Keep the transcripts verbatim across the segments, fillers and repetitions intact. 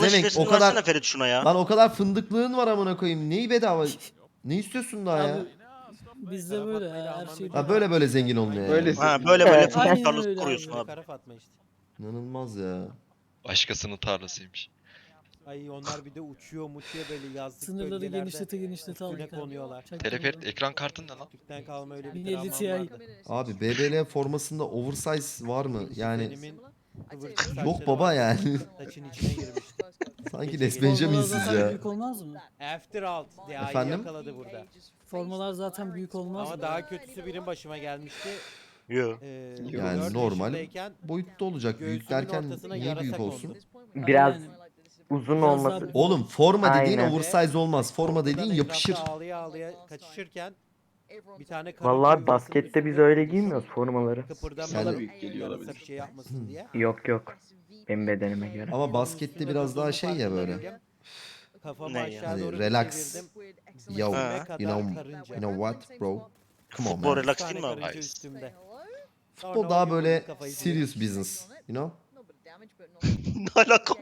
Demek şifresini o kadar- versene Ferit şuna ya. Lan o kadar fındıklığın var amına koyayım. Neyi bedava? Ne istiyorsun daha ya? Abi bizde böyle ya, her şey Ha böyle böyle zengin olunuyor Böyle yani. Ha böyle böyle Evet. fındık Aynen tarlası öyle kuruyorsun abi. abi. Kara Fatma işte. İnanılmaz ya. Başkasının tarlasıymış. Ay onlar bir de uçuyor muçuyor böyle yazlık Sınırları bölgelerde. genişlete genişlete üstüne aldık abi. konuyorlar. Teleferit ekran kartın ne lan? Türk'ten kalma öyle bir bin elli travmam Ti. vardı. Abi B B L formasında oversize var mı? Yani Kuzenimin kıvırcık saçları yok baba vardı. yani. Saçın içine girmişti. Sanki Gece Les gece. Benjamin'siz Formalar zaten ya. büyük olmaz mı? After Alt D'yi Efendim? yakaladı burada. Formalar zaten büyük olmaz Ama mı? daha kötüsü benim başıma gelmişti. Yo. Ee, Yani dört normal yaşındayken boyutta olacak. Büyük göğsümün derken ortasına niye yarasa büyük kondu. olsun? Biraz Aynen. uzun Biraz olması. daha- Oğlum forma dediğin Aynen. oversize olmaz. Forma Korkudan dediğin etrafta yapışır. Ağlaya ağlaya kaçışırken bir tane karınca Vallahi yuvasının baskette biz üstünde öyle durmuş. giymiyoruz formaları. Kıpırdamadan Sana büyük geliyor yarasa olabilir. bir şey yapmasın diye. Yok yok. Benim bedenime göre. Ama Yuvanın baskette üstünde biraz daha durduğunun şey ya farkında böyle. değilim. Kafamı Ne ya? aşağı Hani doğru bir relax. çevirdim. Yo, Dibime Ha. kadar you know, karınca. you know what bro? Come on Futbol man. relax Üç tane değil mi abi? karınca Nice. üstümde. Futbol Sonra o daha yuvanın böyle kafayı serious yedim. business. You know? Ne alaka?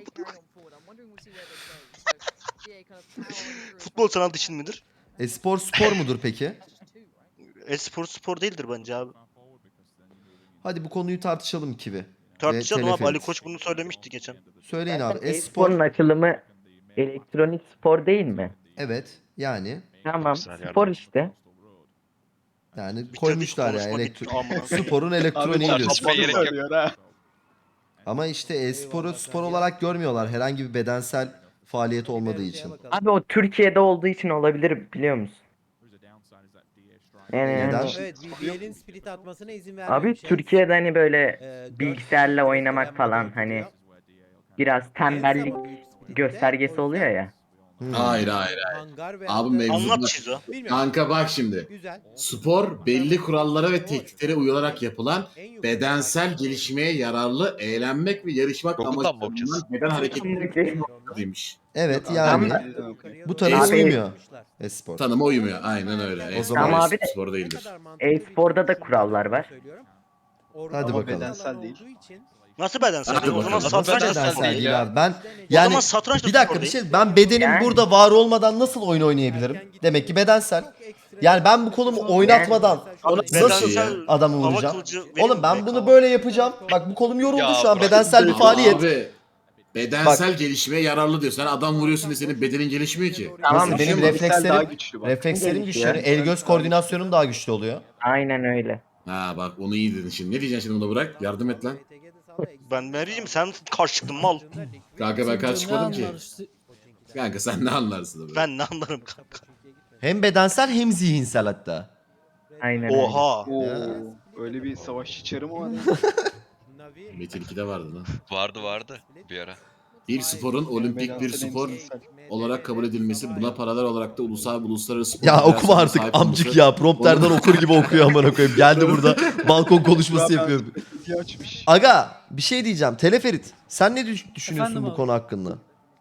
Futbol sanal dışın midir? E-spor spor mudur peki? E-spor spor değildir bence abi. Hadi bu konuyu tartışalım Kivi. Tartışalım abi. Ali teleferit. Koç bunu söylemişti geçen. Söyleyin abi. Zaten E-spor. e-sporun açılımı elektronik spor değil mi? Evet. Yani. Tamam. güzel Spor yerden. işte. Yani Bitirdik, koymuşlar ya. konuşma Elektro bitti, amına koyayım. sporun elektroniği Abi, diyorsun. tartışmaya gerek yok. söylüyor ha. Ama işte e-sporu Eyvallah spor kanka. olarak görmüyorlar. Herhangi bir bedensel faaliyet olmadığı Bir için. bakalım. Abi o Türkiye'de olduğu için olabilir biliyor musun? Yani Neden? hani- Evet, B B L'in split atmasına izin abi vermemiş. Türkiye'de hani böyle Ee, dört bilgisayarla direkt oynamak ölen falan model hani duruyor. biraz tembellik Ama büyük splitte, göstergesi o oluyor yüzden ya. Hmm. Hayır hayır hayır. hangar ve Abi hangar- mevzu Anlat bak. Şizo. Bilmiyorum. Kanka bak şimdi. Güzel. Spor belli kurallara ve tekniklere uyularak yapılan En yukarı bedensel hakim. gelişmeye yararlı eğlenmek ve yarışmak Google'dan mı amacıyla bakacağız? bulunan beden hareketleri Tamam. demiş. Evet Yok, yani Tam- bu tanıma Abi- uymuyor e-spor. Tanıma uymuyor. Aynen öyle. O E-spor, zaman- Ama abi- spor değildir. E-sporda da kurallar var. Hadi Ama bakalım. bedensel değil. Nasıl bedensel? Hadi O zaman bakalım. Nasıl satranç da bedensel spor bedensel değil. değil ya. abi? Ben O yani zaman satranç da bir dakika spor bir değil. şey ben bedenim Yani- burada var olmadan nasıl oyun oynayabilirim? Demek ki bedensel. Yani ben bu kolumu oynatmadan nasıl Bedensel adamı hava vuracağım? kılıcı Oğlum ben benim bunu be- böyle yapacağım. Bak bu kolum yoruldu Ya şu an bırak. bedensel bir Ama faaliyet. abi bedensel gelişmeye yararlı diyor. Sen adam vuruyorsun diye senin bedenin gelişmiyor ki. Tamam, Nasıl? Bir şey Benim mi? reflekslerim daha güçlü bak. reflekslerim Gelişiyor. güçleniyor. El göz koordinasyonum daha güçlü oluyor. Aynen öyle. Ha bak onu iyi dedin şimdi. Ne diyeceksin şimdi buna bırak? Yardım et lan. Ben ne diyeyim sen karşı çıktın mal. Kanka ben Sen karşı ne çıkmadım ki. anlar işte- Kanka sen ne anlarsın abi? Ben ne anlarım kanka. Hem bedensel hem zihinsel hatta. Aynen öyle. Oha. Oo, Ya. öyle bir savaşçı çarı mı var? Metin ikide vardı lan. Vardı vardı bir ara. Bir sporun olimpik bir spor olarak kabul edilmesi, buna paralel olarak da ulusal ve uluslararası spor Ya okuma federasyonlarına artık sahip amcık olması- ya. Prompterden okur gibi okuyor amına koyayım. Geldi burada balkon konuşması yapıyor. Diye açmış. Aga bir şey diyeceğim. Teleferit sen ne düş- düşünüyorsun Efendim bu abi? konu hakkında?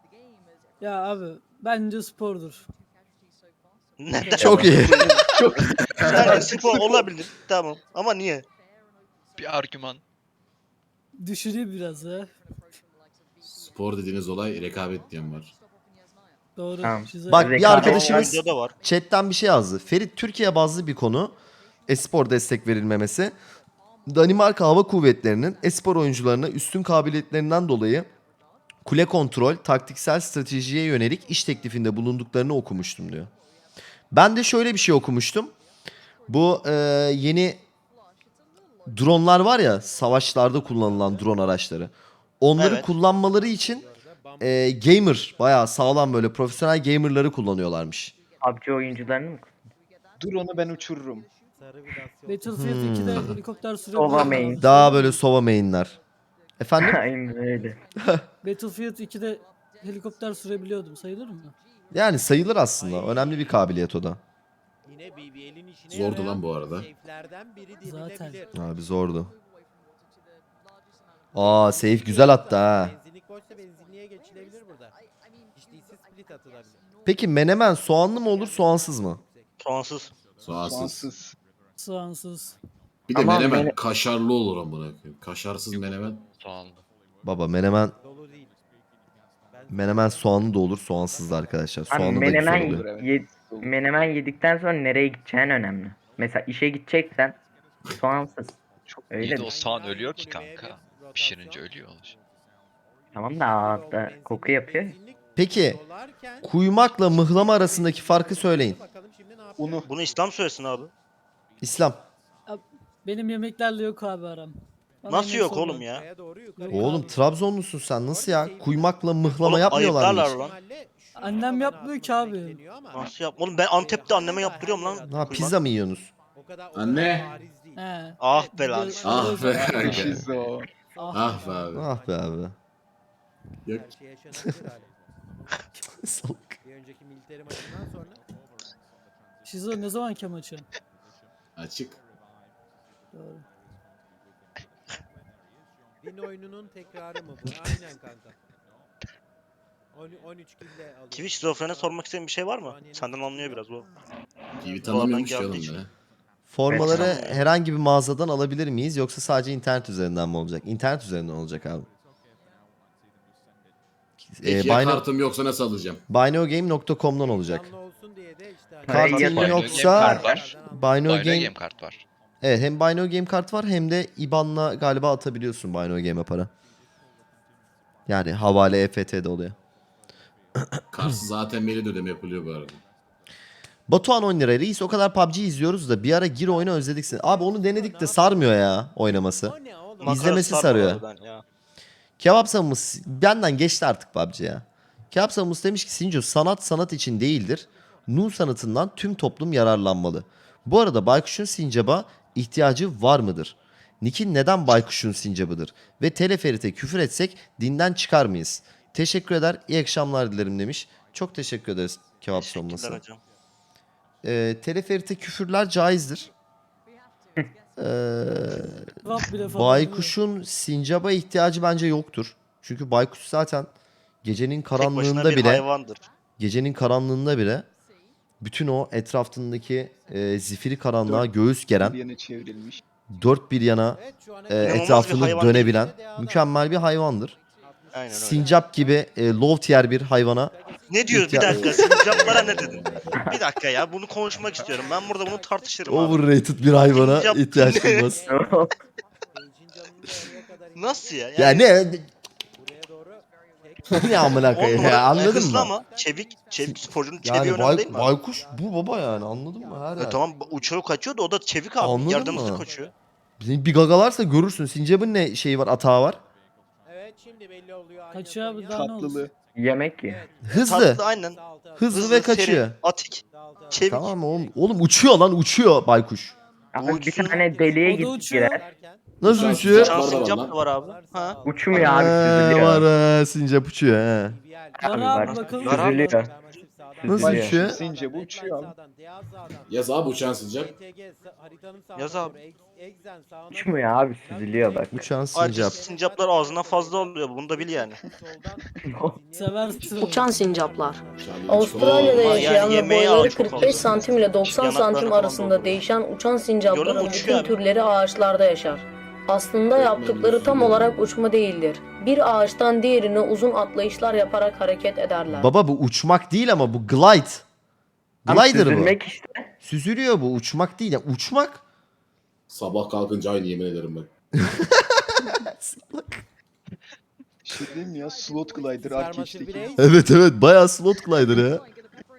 Ya abi bence spordur. Neden? Çok iyi. Yani spor olabilir. Tamam. Ama niye? Bir argüman. Düşüneyim biraz ya. Spor dediğiniz olay rekabet diyen var. Doğru. Tamam. Şizo- Bak bir Rekabet- arkadaşımız Bende de var. chatten bir şey yazdı. Ferit Türkiye bazlı bir konu. Espor destek verilmemesi. Danimarka Hava Kuvvetleri'nin espor oyuncularına üstün kabiliyetlerinden dolayı kule kontrol, taktiksel stratejiye yönelik iş teklifinde bulunduklarını okumuştum diyor. Ben de şöyle bir şey okumuştum. Bu e, yeni dronlar var ya, savaşlarda kullanılan drone araçları. Onları Evet. kullanmaları için e, gamer, bayağı sağlam böyle profesyonel gamerları kullanıyorlarmış. P U B G oyuncularını mı? Dur onu ben uçururum. Battlefield ikide Hmm. helikopter Ova sürebiliyordu. main. abi. Daha böyle sova mainler. Efendim? Aynen öyle. Battlefield ikide helikopter sürebiliyordum. Sayılır mı? Yani sayılır aslında. Önemli bir kabiliyet o da. Yine B B L'in işine Zordu yarayan lan bu arada. safe'lerden biri Zaten. denilebilir. Abi zordu. Aa safe güzel attı ha. Benzinlik boşsa benzinliğe geçilebilir burada. Hiç değilse split atılabilir. Peki menemen soğanlı mı olur soğansız mı? Soğansız. Soğansız. Soğansız. Soğansız. Bir de Ama menemen mene- kaşarlı olur amına koyayım. Kaşarsız menemen. Soğanlı. Baba menemen Dolu değil. Menemen soğanlı da olur, soğansız da arkadaşlar. Abi Soğanlı da güzel menemen, oluyor. evet. ye- menemen yedikten sonra nereye gideceğin önemli. Mesela işe gideceksen soğansız. Öyle İyi de mi? o soğan ölüyor ki kanka. Pişirince ölüyor. Tamam da ağızda koku yapıyor. Peki, Kuymakla mıhlama arasındaki farkı söyleyin. Unu. Bunu İslam söylesin abi. İslam. Benim yemeklerle yok abi aram. Bana Nasıl yemek yok sorma. oğlum ya? Oğlum Trabzonlusun sen, nasıl ya? Kuymakla mıhlama Oğlum, yapmıyorlar mı ayıplarlar hiç? lan. Annem yapmıyor ki abi. Nasıl yap? Oğlum ben Antep'te anneme yaptırıyorum lan. Ha, kuymak. pizza mı yiyorsunuz? Anne. He. Ah be lan. Göz- Ah göz- be kanka. Şizo. Ah. Ah be abi. Ah be abi. Yok. Salak. Bir önceki militeri maçından sonra Şizo ne zamanki maçı? Açık. Doğru. din oyununun tekrarı mı bu? Aynen kanka. on üç kille alıyor. Twitch şizofrene sormak istediğin bir şey var mı? Senden anlıyor biraz bu. T V tanımıyormuş ya geldiği oğlum için. beni. Formaları Evet. herhangi bir mağazadan alabilir miyiz yoksa sadece internet üzerinden mi olacak? İnternet üzerinden olacak abi. Ee, Peki ya Bino, kartım yoksa nasıl alacağım? binogame nokta com'dan olacak. Canlı olsun diye de işte hani- Kartın Parayı Bino yoksa Game kart var. Bino Bino Game, Game kart var. evet, hem Bino Game kart var hem de I B A N'la galiba atabiliyorsun Bino Game'e para. Yani havale E F T'de oluyor. Kartsız zaten mail ödeme yapılıyor bu arada. Batuhan on lira. Reis o kadar P U B G izliyoruz da bir ara gir oyna özledik seni. Abi onu denedik de sarmıyor ya oynaması. O ne oğlum? Makara İzlemesi sarma sarıyor. harbiden ya. Kebap Samus benden geçti artık P U B G ya. Kebap Samus demiş ki Sinco sanat sanat için değildir. Nu sanatından tüm toplum yararlanmalı. Bu arada Baykuş'un sincaba ihtiyacı var mıdır? Nick'in neden Baykuş'un sincabıdır? Ve teleferite küfür etsek dinden çıkar mıyız? Teşekkür eder, iyi akşamlar dilerim demiş. Çok teşekkür ederiz Kebap Teşekkürler Samus'a. hocam. Ee, teleferite küfürler caizdir. Ee, Cevap bile falan. Baykuş'un sincaba ihtiyacı bence yoktur. Çünkü baykuş zaten gecenin Tek başına karanlığında bir bile hayvandır. gecenin karanlığında bile bütün o etrafındaki e, zifiri karanlığa göğüs geren, Bir yana çevrilmiş. dört bir yana Evet, şu ana e, kadar- İnanılmaz bir etrafını hayvan dönebilen değil. mükemmel bir hayvandır. Aynen öyle. Sincap gibi e, low tier bir hayvana Ne diyoruz bir İhtiya- dakika? Sincaplara ne dedin? Bir dakika ya bunu konuşmak istiyorum. Ben burada bunu tartışırım abi. overrated bir hayvana Sincap ihtiyaç ne? duymaz. Seyircinin canını oraya kadar Nasıl ya? Ya ne buraya doğru tek- ne amına On koyayım numara, ya, anladın hızlı mı? ama çevik, çevik sporcunun çeviği Yani önemli bay- değil mi? abi? baykuş bu baba yani, anladın mı? Her E yer. tamam uçuyor kaçıyor da o da çevik abi. Anladın Yardımcı mı? kaçıyor. Bir bir gagalarsa görürsün. Sincap'ın ne şeyi var, atağı var? Evet şimdi belli oluyor. Aynen Kaçıyor abi, Konya. daha ne olsun? Tatlılığı. Yemek ye. Evet, Hızlı. Tatlı aynen. sağ altı, Hızlı Hızlı, ve kaçıyor. seri, atik, altı, altı. çevik. Tamam oğlum. Oğlum uçuyor lan, uçuyor baykuş. Abi bir Uçsun. tane deliğe O da git uçuyor. girer. Nasıl Uçan uçuyor? sincap Uçan var da sincap lan. da var abi. Ha. Uçmuyor abi, Ee, süzülüyor. var he, sincap uçuyor he. Var Abi abi var. bakalım. Var abi. Süzülüyor. Nasıl Süzülüyor. uçuyor? Since bu uçuyor abi. Yaz abi uçan sincap. Yaz abi. Uçmuyor abi, süzülüyor bak. Uçan Ayrıca sincap. sincaplar ağzına fazla oluyor. Bunu da bil yani. Seversin. Uçan sincaplar. Uçan Avustralya'da Oo, yaşayan yani ve yemeği boyları al, çok kırk beş fazla. santim ile doksan Yanaklarını santim falan arasında dolduruyor. değişen uçan Gördün sincapların mü? Uçuyor bütün abi. türleri ağaçlarda yaşar. Aslında yaptıkları tam olarak uçma değildir. Bir ağaçtan diğerine uzun atlayışlar yaparak hareket ederler. Baba bu uçmak değil ama bu glide. Ama Glider bu. süzülmek işte. Süzülüyor bu, uçmak değil. Ya uçmak. Sabah kalkınca aynı yemin ederim ben. Şey diyeyim ya, slot glider Arcade'deki. Evet evet, bayağı slot glider ya.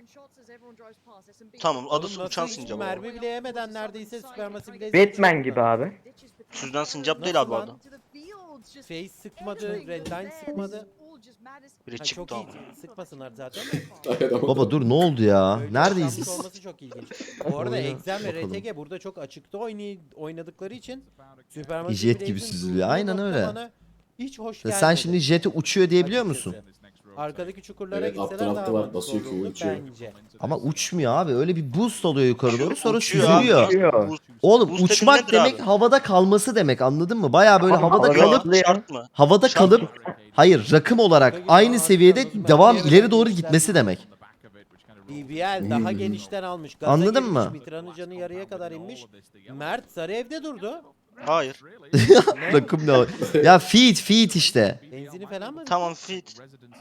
Tamam adı Oğlum uçan nasıl hiç sincap. abi. mermi bile yemeden neredeyse süperması bile Batman gibi abi. Süzülen sincap değil abi o adam. Face sıkmadı, redline sıkmadı. Biri Ha, çıktı çok iyi abi. sıkmasalar zaten. Dayanamadım. Baba dur, ne oldu ya? Öyle Neredeyiz yaşanmış biz? olması çok ilginç. Bu arada Oyna, Exem ve bakalım. R T G burada çok açıkta oynay oynadıkları için Supermassive Jet gibi Blaze'in süzülüyor, durduğu aynen nokta öyle. bana hiç hoş Ya gelmedi. sen şimdi jeti uçuyor diyebiliyor musun? açıkçası. Arkadaki çukurlara Evet, gitseler aptal daha aptal var, mantıklı basıyor ki olurdu uçuyor. bence. Ama uçmuyor abi. Öyle bir boost oluyor yukarı doğru, sonra Uçuyor abi. süzülüyor. Uçuyor. Boost- Oğlum Boost dediğin uçmak nedir demek abi? havada kalması demek, anladın mı? Baya böyle Ama havada havada kalıp zıplıyor. Şart mı? havada Şart kalıp hayır, rakım olarak aynı seviyede devam ileri doğru gitmesi demek. B B L daha genişten almış. Gaza Anladın girmiş, mı? Mitra'nın canı yarıya kadar inmiş. Mert sarı evde durdu. Hayır. Rakım ne? o? Ya feed feed işte. Benzini falan mı? Tamam fit.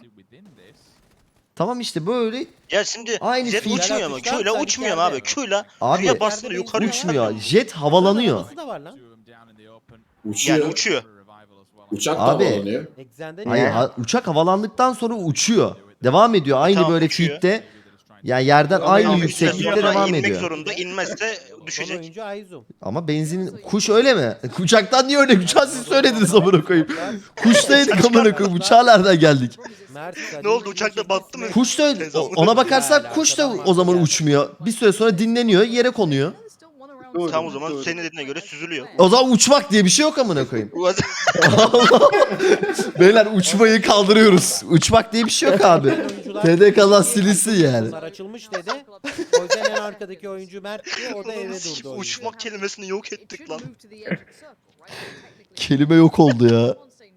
Tamam işte böyle Ya şimdi Aynı jet fit. uçmuyor mu? Atışlar Q'yla sanki uçmuyor mu yerde. abi? Q'yla Abi, Q'ya bastığında yukarı uçmuyor. yükselmiyor. Jet havalanıyor. Nasıl da var lan? Uçuyor. Yani uçuyor. Uçak da Abi. havalanıyor. Exxen'de Hayır, Ya. ha- uçak havalandıktan sonra uçuyor. Devam ediyor. Aynı tamam, böyle uçuyor. feed'de. Ya yerden Ama aynı Tamam, yükseklikte sonra devam inmek ediyor. zorunda. İnmezse son düşecek. oyuncu Ayzum. Ama benzin kuş öyle mi? Uçaktan niye öyle? Uçağı siz söylediniz amına koyayım. Kuştaydık amına koyayım. Uçağa nereden geldik? Mert, Ne oldu, uçakta battı mı? Kuş da o- ona bakarsak kuş da o zaman uçmuyor. Bir süre sonra dinleniyor, yere konuyor. Doğru, Tam o zaman doğru. senin dediğine göre süzülüyor. O zaman uçmak diye bir şey yok amına koyayım. Allah. Beyler uçmayı kaldırıyoruz. Uçmak diye bir şey yok abi. T D K'dan silinsin yani. Bunlar açılmış dedi. O yüzden en arkadaki oyuncu Mert diye o da eve durdu. oyuncu. Uçmak kelimesini yok ettik lan. Kelime yok oldu ya.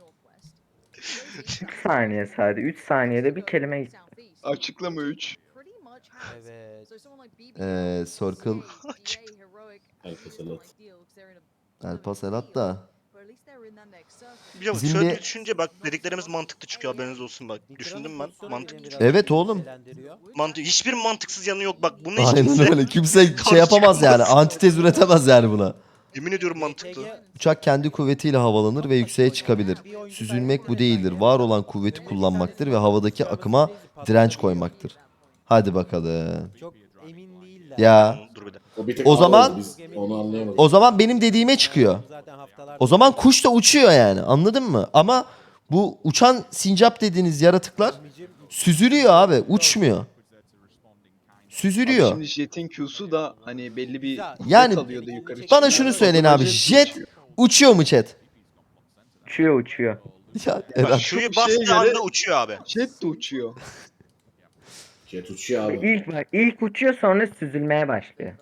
üç saniye sadece. üç saniyede bir kelime gitti. Açıklama üç. Evet. Ee, Circle Alpasalat. El Paselat da. Biliyor musun? Bizim Şöyle bir- bir düşünce bak dediklerimiz mantıklı çıkıyor, haberiniz olsun bak. Düşündüm ben, mantıklı çıkıyor. Evet oğlum. Mantık, hiçbir mantıksız yanı yok bak. Bunu hiç Aynen kimse öyle. Kimse şey karşı yapamaz yani. çıkamaz. Antitez üretemez yani buna. Yemin ediyorum mantıklı. Uçak kendi kuvvetiyle havalanır ve yükseğe çıkabilir. Süzülmek bu değildir. Var olan kuvveti kullanmaktır ve havadaki akıma direnç koymaktır. Hadi bakalım. Çok emin değiller. Ya Dur bir dakika. O, bir tek O ağır zaman- oldu, biz onu anlayamadık. o zaman benim dediğime çıkıyor. Zaten haftalar O zaman kuş da uçuyor yani. Anladın mı? Ama bu uçan sincap dediğiniz yaratıklar süzülüyor abi. Uçmuyor. Süzülüyor. Şimdi jet'in Q'su da hani belli bir Yani kalıyordu yukarı Bana çıkıyor. şunu söyleyin abi. Jet Jet uçuyor. uçuyor mu chat? Uçuyor uçuyor. Ya Eren. Şuyu Şu bastığı şeye göre- anda uçuyor abi. Jet de uçuyor. Jet uçuyor abi. İlk bak ilk uçuyor sonra süzülmeye başlıyor.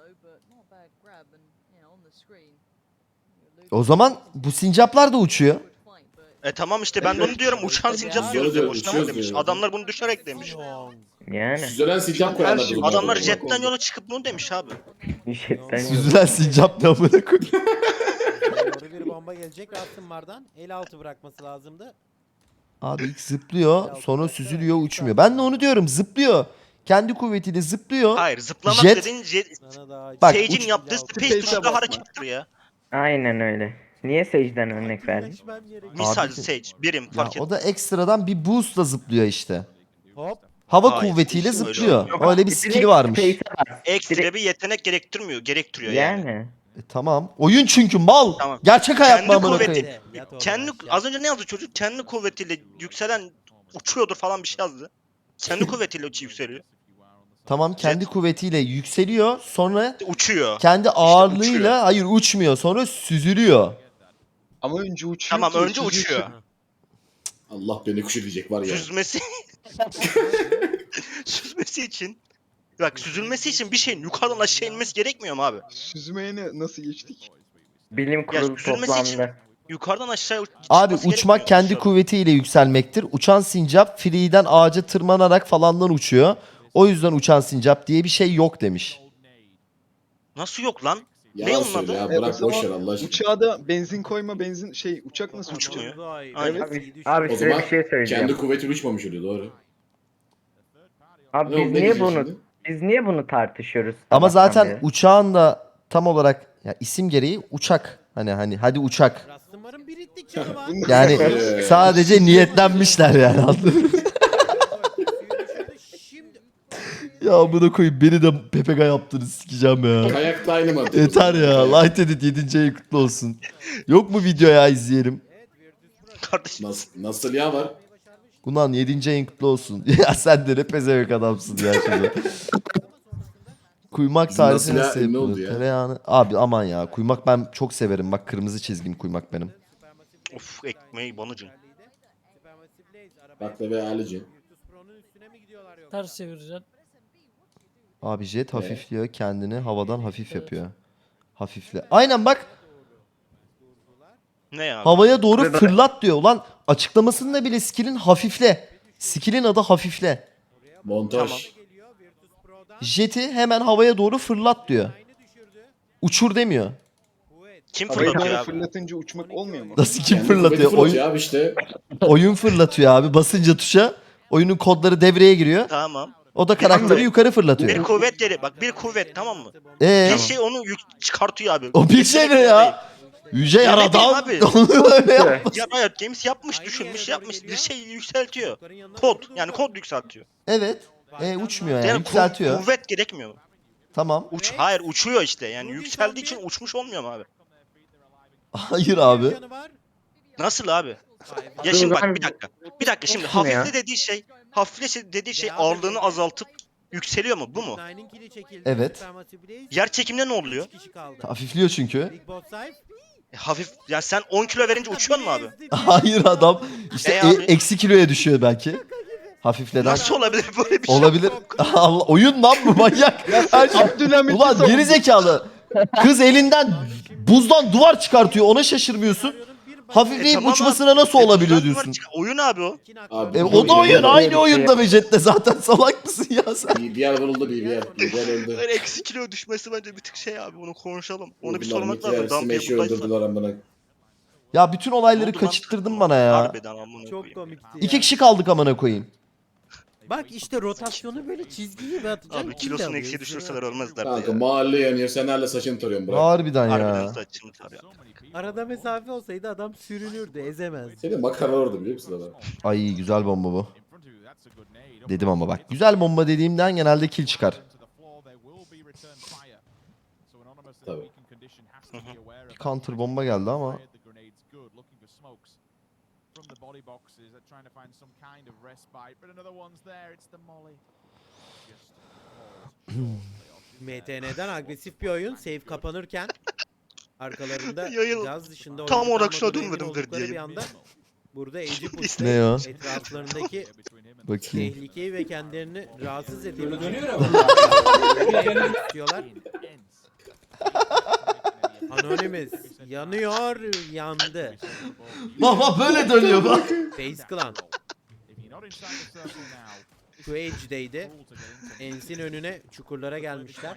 O zaman bu sincaplar da uçuyor. E tamam işte ben de onu diyorum. Uçan sincap diyoruz ya. Uçuyoruz, Boşuna mı uçuyoruz demiş? diyoruz. Adamlar bunu düşerek demiş. Yani. Süzülen sincap Her koyanlar şey- bunlar. Adamlar Bak, jetten oldu. yola çıkıp bunu demiş abi. Jetten yok. Süzülen sincap ne amına koyayım. Doğru bir bomba gelecek Rastenmar'dan. El altı bırakması lazımdı. Abi ilk zıplıyor sonra süzülüyor uçmuyor. Ben de onu diyorum zıplıyor. Kendi kuvvetiyle zıplıyor. Hayır zıplamak Jet- dediğin jet, Sana daha Bak, Sage'in uç- yaptığı Space'e space tuşla basma. harekettir ya. Aynen öyle. Niye secden örnek verdin? Birleşmem gerekiyor. Misal Abi- Sage birim Ya fark et. o da ekstradan bir boostla zıplıyor işte. Hop. Hava Hayır, kuvvetiyle hiç öyle zıplıyor. olmuyor. Öyle bir skill'i varmış. Space'e bas. Ekstra direkt- bir yetenek gerektirmiyor. Gerektiriyor yani. Yani. E, tamam. Oyun çünkü mal. Tamam. Gerçek hayat mı Kendi amına kuvveti. koyayım? Yat oğlum Kendi aşağı. az önce ne yazdı çocuk? Kendi kuvvetiyle yükselen uçuyordur falan bir şey yazdı. Kendi kuvvetiyle yükseliyor. Tamam kendi kuvvetiyle yükseliyor. Sonra Uçuyor. kendi uçuyor. ağırlığıyla hayır uçmuyor. Sonra süzülüyor. Ama önce uçuyor Tamam ki önce süzülsün. uçuyor. Allah beni kuş edecek var ya. Süzmesi süzmesi için bak süzülmesi için bir şeyin yukarıdan aşağı inmesi gerekmiyor mu abi? Süzmeye ne, nasıl geçtik? Bilim kurulu süzülmesi için- toplandı. Yukarıdan aşağı Abi çıkması uçmak gerekmiyor kendi mu? kuvvetiyle yükselmektir. Uçan sincap free'den ağaca tırmanarak falandan uçuyor. O yüzden uçan sincap diye bir şey yok demiş. Nasıl yok lan? Ne Yalan onun söyle adı? ya. Evet, o Bırak zaman boş ver Allah aşkına. Uçağa da benzin koyma benzin şey uçak nasıl Uçmuyor. uçuyor? Aynen. Abi, abi O size zaman bir şey söyleyeceğim. kendi kuvvetiyle uçmamış oluyor doğru. Abi Ne biz oldu, ne niye diyeceksin bunu şimdi? biz niye bunu tartışıyoruz? Ama sabahtan zaten beri? uçağın da tam olarak ya isim gereği uçak. Hani hani hadi uçak. Rastenmar'ın birittik canım ha. Bunlar- Yani Ee, sadece niyetlenmişler yani anladın mı? Şimdi Ya bunu koyayım beni de P P K yaptınız sikeceğim ya. Kayakta aynı mantık. o Yeter zaman. ya. Light Edit yedinci ayı kutlu olsun. Yok mu video ya izleyelim? Kardeşim Nasıl, nasıl ya var? Ulan yedinci ayın kutlu olsun. Ya sen de ne pezevenk adamsın ya şimdi. Kuymak Bizim tarifi nasıl ya, nasıl ünlü yapılır? oldu ya. Tereyağını... Abi aman ya. Kuymak ben çok severim. Bak kırmızı çizgim kuymak benim. of ekmeği banıcın. Bakla ve alıcı. Ters çevireceksin. Abi jet hafifliyor. Kendini havadan hafif yapıyor. Hafifle. Aynen bak. Ne ya? Havaya doğru Burada- fırlat diyor. Ulan açıklamasında bile skill'in hafifle. Skill'in adı hafifle. Montaj. Jet'i hemen havaya doğru fırlat diyor. Uçur demiyor. Kim Havaya fırlatıyor doğru abi? fırlatınca uçmak olmuyor mu? Nasıl kim Kendi fırlatıyor? kuvveti Oyun, abi işte. oyun fırlatıyor abi. Basınca tuşa oyunun kodları devreye giriyor. Tamam. O da karakteri Bir- yukarı Bir fırlatıyor. kuvvet geri bak bir kuvvet tamam mı? Ee, Bir şey onu yük çıkartıyor abi. o bir şey ne ya? Yüce Ya ne yaradan bileyim abi. onu öyle yap. Ya Riot Games yapmış, düşünmüş, yapmış. Bir şey yükseltiyor. Kod. Yani kod yükseltiyor. Evet. E, uçmuyor yani, Yani ku- yükseltiyor. kuvvet gerekmiyor mu? Tamam. Uç. Hayır uçuyor işte. Yani yükseldiği için uçmuş olmuyor mu abi? Hayır abi. Nasıl abi? Ya Dur şimdi bak lan. bir dakika. Bir dakika şimdi Nasıl ya? hafifle dediği şey, hafifle dediği şey ağırlığını azaltıp yükseliyor mu? Bu mu? Evet. Yer çekiminde ne oluyor? Hafifliyor çünkü. E, hafif ya sen on kilo verince uçuyor mu abi? Hayır adam. İşte E e- abi? eksi kiloya düşüyor belki. Hafifleden. Nasıl olabilir böyle bir şey? Olabilir. Allah, oyun lan bu manyak. Her şey. Abdülhamit'i Ulan savundun. geri zekalı. Kız elinden buzdan duvar çıkartıyor. Ona şaşırmıyorsun. Hafifleyip E, tamam uçmasına abi. nasıl E, olabiliyor bundan sonra diyorsun. çık- Oyun abi o. Abi, E, bu o da oyun. oyun- Aynı oyunda be Jet'te zaten. Salak mısın ya sen? B B R vuruldu B B R. B B R öldü. Böyle eksi kilo düşmesi bence bir tık şey abi. Bunu konuşalım. Onu bir Bunlar sormak Mickey lazım. Harris'i Dampier Meş'i buradaysa. öldürdüler amına. Ya bütün olayları Ne oldu lan? kaçırttırdın bana ya. Harbiden amına Çok koyayım. komikti ya. İki kişi kaldık amına koyayım. Bak işte rotasyonu böyle çizgi gibi atacaksın. Abi kilosunu eksiye düşürseler ölmezler de Kanka ya. mahalle yanıyor. Sen hala saçını tarıyorsun bırak. Harbiden Harbiden ya. saçını tarıyor. Arada mesafe olsaydı adam sürünürdü, ezemez. Senin makara orada biliyor musun adam? Ay güzel bomba bu. Dedim ama bak. Güzel bomba dediğimden genelde kill çıkar. Tabii. Bir counter bomba geldi ama. M T N'den agresif bir oyun. Save kapanırken arkalarında Yayıl- gaz dışında Tam oldukları olarak şuna moduna emin dönmedim oldukları verdi bir yayın. anda burada Edge'i Ne pushlayıp o? etraflarındaki Bakayım. tehlikeyi ve kendilerini rahatsız edebilecek istiyorlar. Anonymous yanıyor, yandı. Baba böyle dönüyor bak. Face Clan şu Edge'deydi. Ens'in önüne çukurlara gelmişler.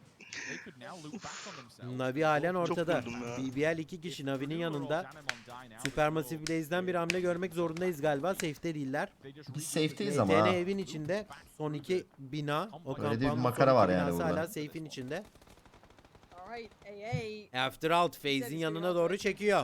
Navi halen ortada. vurdum ya. B B L iki kişi Navi'nin yanında. Supermassive Blaze'den bir hamle görmek zorundayız galiba. Safe'te değiller. Biz safe'teyiz M ama T N ha. evin içinde. Son iki bina. O Öyle de bir kampanyonun makara son var iki yani binası burada. hala safe'in içinde. After Out Phase'in yanına doğru çekiyor.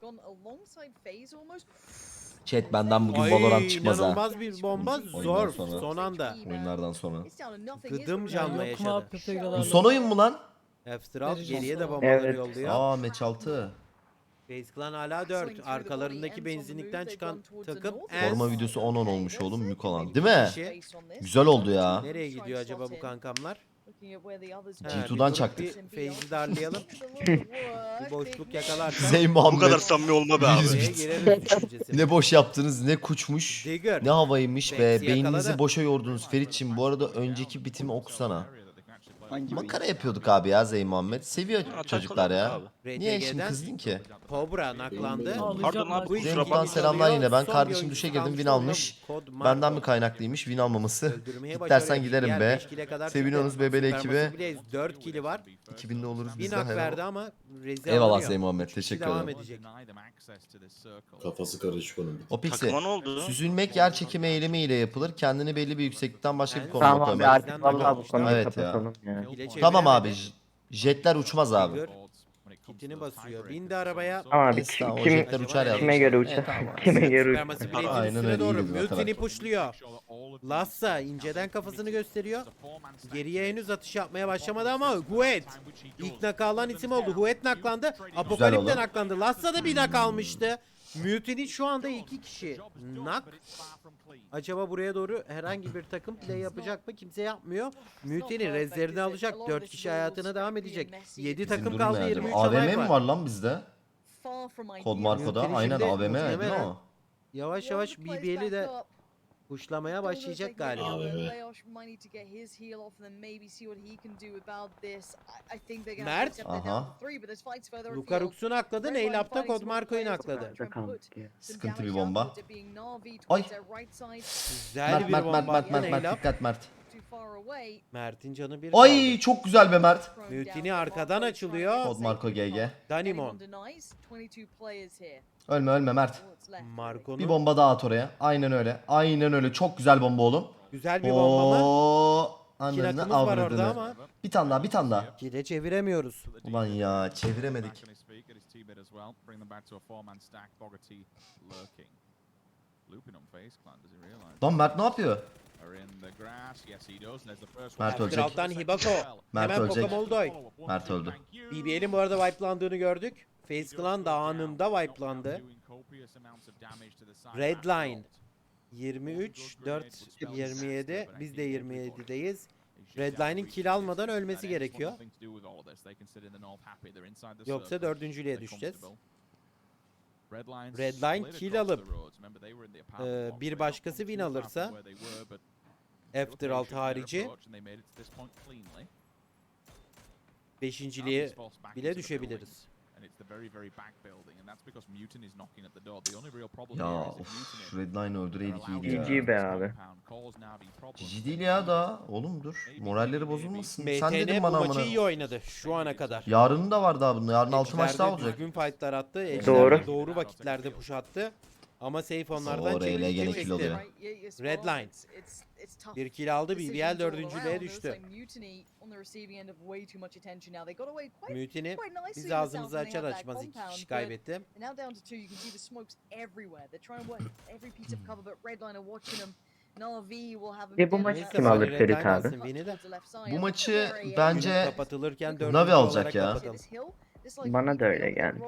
Chat benden bugün Ay, Valorant çıkmaz ha. inanılmaz bir bomba. Oyundan Zor. sonra. Son anda. Oyunlardan sonra. Gıdım canlı Yok mu yaşadı. abi Pepe'yle Bu son oyun mu lan? After Out Vereceğim geriye de sana. bombaları Evet. yolluyor. Aa match altı. Face Clan hala dört. Arkalarındaki benzinlikten çıkan takım Forma Ends. videosu on on olmuş oğlum Mükolan. Değil mi? Kişi. Güzel oldu ya. Nereye gidiyor acaba bu kankamlar? G Ha, iki'den bir çaktık. grup Bir Faze'i darlayalım. Bir boşluk yakalarsan. Zey Bu Muhammed. kadar samimi olma be abi. Biriz. Oraya gireriz düşüncesi. Ne boş yaptınız, ne kuçmuş. Digger. Ne havaymış be. Bex'i Beyninizi yakaladı. boşa yordunuz Feritçim. Bu arada önceki bitimi okusana. Hangi Makara yapıyorduk abi ya Zey Muhammed. Seviyor çocuklar ya. Abi. Niye şimdi R T G'den kızdın ki? Cobra naklandı. Ağlayacağım Pardon ben. abi, Bu kusura iki Zevk'ten kişi selamlar kalıyor. yine. Ben Son kardeşim bir düşe oyuncu girdim, win kalmış almış. oldu. Kod Benden Marco. mi kaynaklıymış win almaması? Öldürmeye İstersen başarıyor. giderim Diğer be. beş kile kadar Seviniyorsunuz çıktı. bebeli Supermassive ekibi. Blaze dört kili var. iki binde oluruz Bir biz de. nak helal. verdi ama Rezi Eyvallah alınıyor. Zey Muhammed. Üç kişi Teşekkür devam ederim. edecek. Kafası karışık onun. O pixi. Takıma ne oldu? Süzülmek yer çekimi eylemiyle yapılır. Kendini belli bir yükseklikten başka bir Ben- konuma Tamam abi koymak. artık vallahi bu konuyu Evet ya. kapatalım ya. Hile Tamam abi. çeviremedi. j- Jetler uçmaz abi. Digger kitini basıyor. Bindi arabaya. Ama abi Neyse, kim, tamam, o kim jetler uçar yazmış. kime göre uçar? Evet, tamam. Kime göre uçar? Supermassive Blaze'in Aynen üstüne öyle, doğru. iyi bir Mutini zaten. pushluyor. Lassa inceden kafasını gösteriyor. Geriye henüz atış yapmaya başlamadı ama Huet ilk nak alan isim oldu. Huet naklandı. Apokalip de oldu. naklandı. Lassa da bir nak almıştı. Mutini şu anda iki kişi nak. Acaba buraya doğru herhangi bir takım play yapacak mı? Kimse yapmıyor. Mutini rezlerini alacak. dört kişi hayatına devam edecek. yedi Bizim takım durum kaldı. ne acaba? yirmi üç A V aday M mi var. var lan bizde? Kod Marco'da. Mutini Aynen şimdi A V M değil mi muhtemelen o? Yavaş yavaş B B'li de kuşlamaya başlayacak galiba. Abi Mert. Aha. Lucarux'u nakladı. Neylap'ta Kod Marco'yu nakladı. Burada kaldık ya. Sıkıntı bir bomba. Ay. Güzel Mert bir Mert bomba Mert Mert attı Mert Mert Neylap. dikkat Mert. Mert'in canı bir Ay kaldı. çok güzel be Mert. Mutini arkadan açılıyor. Kod Marco G G. Danimon. Ölme ölme Mert. Bir Marco'nun bomba daha at oraya. Aynen öyle. Aynen öyle. Çok güzel bomba oğlum. güzel bir bomba mı? Oo, İki anladın nakımız var orada avradını. ama Bir tane daha bir tane daha. kile çeviremiyoruz. Ulan ya çeviremedik. Lan Mert ne yapıyor? Mert ölecek. Alttan Hibako. Mert Hemen ölecek. Pokamoldoy. Mert öldü. B B L'in bu arada wipelandığını gördük. Face Clan da anında wipelandı. Redline yirmi üç, dört, yirmi yedi. Biz de yirmi yedideyiz. Redline'in kill almadan ölmesi gerekiyor. Yoksa dördüncülüğe düşeceğiz. Redline kill alıp e, bir başkası win alırsa Afteralt harici beşinciliğe bile düşebiliriz. Ya of Redline öldüreydik iyiydi G ya. G be abi. Cici değil ya da. Oğlum dur. Moralleri bozulmasın. M Sen T dedin N bu bana maçı amına. iyi oynadı şu ana kadar. Yarının da var daha bunun. Yarın altı maç daha Ejder de olacak. Düzgün fightlar attı. Ejder Doğru. de doğru vakitlerde push attı. Ama safe onlardan Oo, R L çekti, gene çekti. kill alıyor. Redline. Bir kill aldı. B B L dördüncülüğe düştü. Mutiny biz ağzımızı açar açmaz iki kişi kaybetti. Ya bu maçı Neyse, kim alır Redline Ferit abi? alsın win'i de. Bu maçı Günü bence kapatılırken dördüncü Navi alacak olarak ya. kapatalım. Bana da öyle geldi.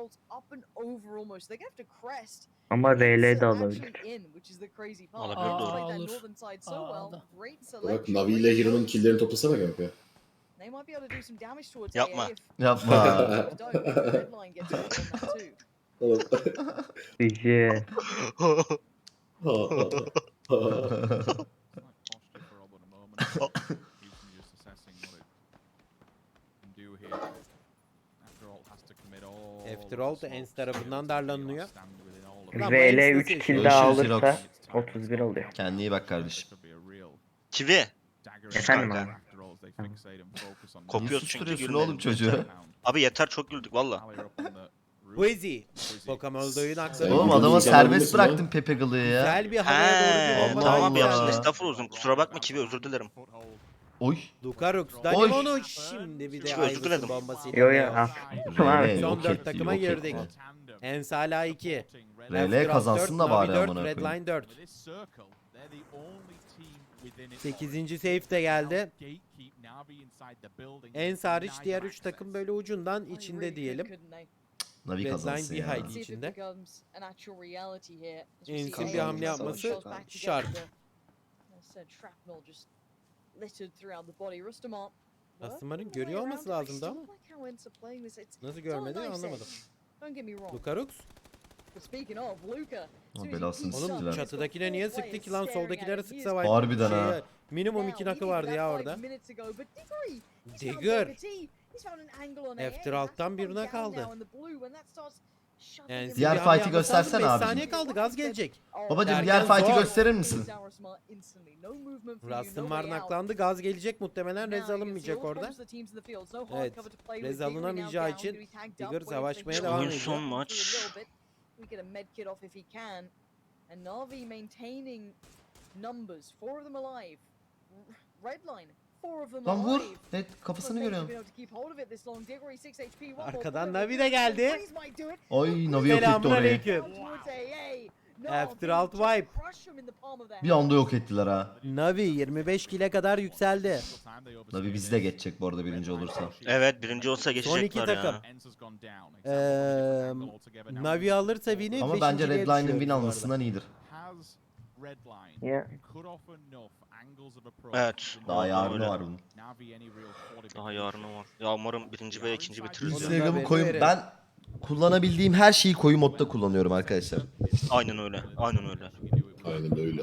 Ama R L de alabilir. Olabilir, Aa, doğru. olur. Aa, da. Bak Navi ile Hero'nun killerini toplasana kanka. Yapma. yapma. Oğlum. G. Afterall da Ens tarafından darlanılıyor. R L üç kill daha Görüşürüz alırsa Jirox. otuz bir oluyor. Kendine iyi bak kardeşim. Kivi. Efendim Kanka. abi. Kopuyoruz Niye çünkü susturuyorsun gülmeyelim. oğlum çocuğu? Abi yeter çok güldük valla. Buezi. Pokamoldo'yu nakladı. Oğlum Videoyu adama izlemediniz serbest mi? bıraktın Pepe Gılı'yı ya. Güzel bir havaya doğru bir He bomba Allah daha tamam Allah. yapsın yükseldi. estağfurullah uzun kusura bakma Kivi özür dilerim. Oy. Lucarux, Danimon'u şimdi bir de Çok özür Iverson dilerim. bombasıyla. Yo yo Leo. al. R L Son yok dört etti takıma yok girdik. etti. Ens hala iki. R L After kazansın da dört, bari Navi dört, amına koyayım. Redline dört. sekizinci safe de geldi. Ens hariç diğer üç takım böyle ucundan içinde diyelim. Navi Redline kazansın bir ya. hayli içinde. Ens'in Kazansın, bir hamle savaş yapması çıkar. şart. Rustmar'ın görüyor olması lazımdı ama nasıl görmedi anlamadım. Lucarux? Ama belasını Oğlum siktiler. çatıdakine niye sıktı ki lan soldakilere sıksa var. Harbiden ha. Minimum iki nakı vardı ya orada. Digger. After alttan birine kaldı. Yani Diğer bir hamle fight'i yapması lazım, göstersene beş abicim. saniye kaldı gaz gelecek. Babacım Derken diğer fight'i zor. gösterir misin? Rustmar naklandı gaz gelecek muhtemelen rez alınmayacak orada. Evet, rez alınamayacağı için Digger savaşmaya devam Oyun ediyor. son maç. Lan vur. Evet kafasını görüyorum. Arkadan Navi de geldi. Ay Navi yok etti Selamun orayı. aleyküm. After alt wipe. Bir anda yok ettiler ha. Navi yirmi beş kile kadar yükseldi. Navi bizi de geçecek bu arada birinci olursa. Evet birinci olsa Son iki geçecekler takım. ya. Eee Navi alırsa win'i Ama bence beşinciliğe Redline'ın düşüyoruz win bu arada. almasından iyidir. Ya. Evet. Daha yarını öyle. var bunun. Daha yarını var. Ya umarım birinci ve ikinci bitiririz ya. Instagram- Instagram'ı haberi koyun. verelim. Ben kullanabildiğim her şeyi koyu modda kullanıyorum arkadaşlar. Aynen öyle. Aynen öyle. Aynen öyle.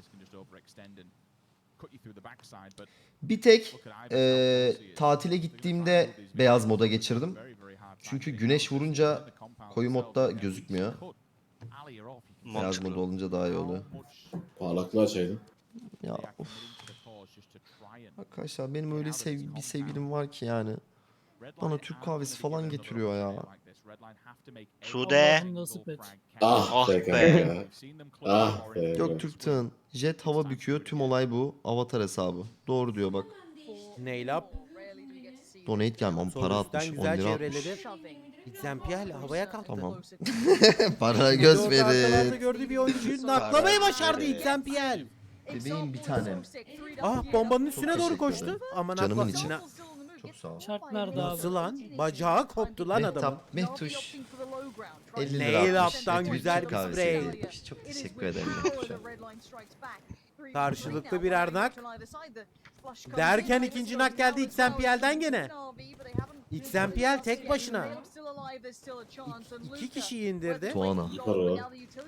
Bir tek eee, tatile gittiğimde beyaz moda geçirdim. Çünkü güneş vurunca koyu modda gözükmüyor. Beyaz Mantıklı. moda olunca daha iyi oluyor. Parlaklığı açaydın. Ya of. Arkadaşlar benim öyle sev bir sevgilim var ki yani. Bana Türk kahvesi falan getiriyor ya. Sude. Allah'ım nasip et. Ah Ah be be. kanka. Ah be. Göktürk Tığın. Jet hava büküyor. Tüm olay bu. Avatar hesabı. Doğru diyor bak. Nail up. Donate gelmem. Sol Para üstten atmış. on güzel lira atmış. çevreledi. Xampiel havaya kalktı. Tamam. Para Bir de göz orada arkalarda verin. gördüğü bir oyuncuyu naklamayı başardı Xampiel. Bebeğim bir tanem. Ah bombanın üstüne Çok doğru teşekkür koştu. ederim. Aman Canımın akla- içi. Na- Çok sağ ol. Şart nerede abi? Nasıl lan? Bacağı koptu lan adamın. Mehtap, Mehtuş. elli lira Nail atmış. up'tan Mehtuş güzel Türk bir kahvesi spray. hediye etmiş. Çok teşekkür ederim Mehtuş'a. Karşılıklı birer nak. Derken ikinci nak geldi Xampiel'den gene. Xampiel tek başına. İki, iki kişiyi indirdi. Tuana. Para.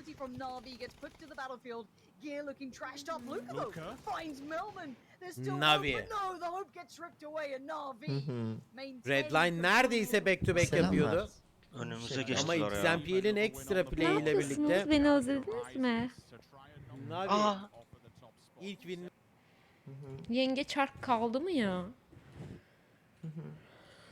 Navi. Hı hı. Redline neredeyse back to back Selamlar. yapıyordu. Önümüze Ama geçtiler ya. Xampiel'in ekstra Ne play ile yapıyorsunuz? birlikte Beni özlediniz mi? Navi Aa. ilk win Yenge çark kaldı mı ya? Hı hı.